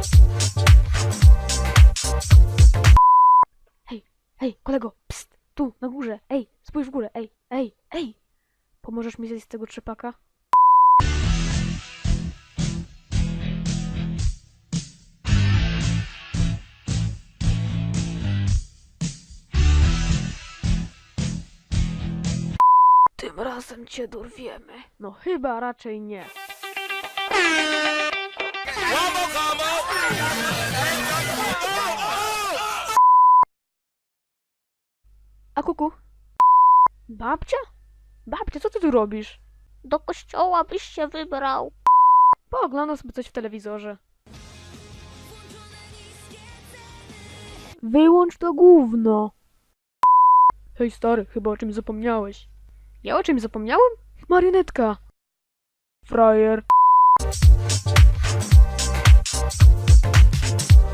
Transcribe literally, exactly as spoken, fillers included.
Hej, hej, kolego, pst, tu, na górze, ej, spójrz w górę, ej, ej, ej. Pomożesz mi zejść z tego trzepaka? Tym razem cię dorwiemy. No chyba raczej nie. A kuku? Babcia? Babcia, co ty tu robisz? Do kościoła byś się wybrał. Pooglądam sobie coś w telewizorze. Wyłącz to gówno. Hej stary, chyba o czymś zapomniałeś. Ja o czymś zapomniałem? Marionetka. Frajer.